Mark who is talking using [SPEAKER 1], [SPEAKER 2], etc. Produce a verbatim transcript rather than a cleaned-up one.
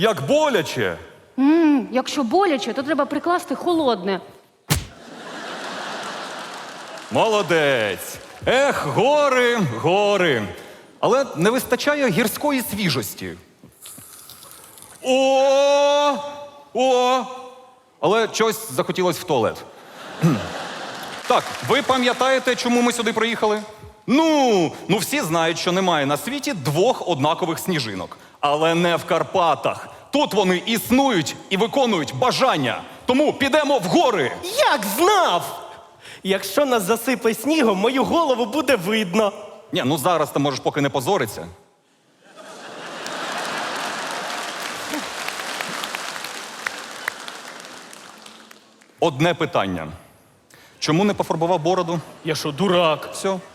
[SPEAKER 1] Як боляче.
[SPEAKER 2] М, якщо боляче, то треба прикласти холодне.
[SPEAKER 1] Молодець. Ех, гори, гори. Але не вистачає гірської свіжості. О! О! Але щось захотілось в туалет. Кхм. Так, ви пам'ятаєте, чому ми сюди приїхали? Ну, ну всі знають, що немає на світі двох однакових сніжинок. Але не в Карпатах. Тут вони існують і виконують бажання. Тому підемо в гори.
[SPEAKER 3] Як знав? Якщо нас засипе снігом, мою голову буде видно.
[SPEAKER 1] Ні, ну зараз ти можеш поки не позоритися. Одне питання. Чому не пофарбував бороду?
[SPEAKER 3] Я що, дурак?
[SPEAKER 1] Все.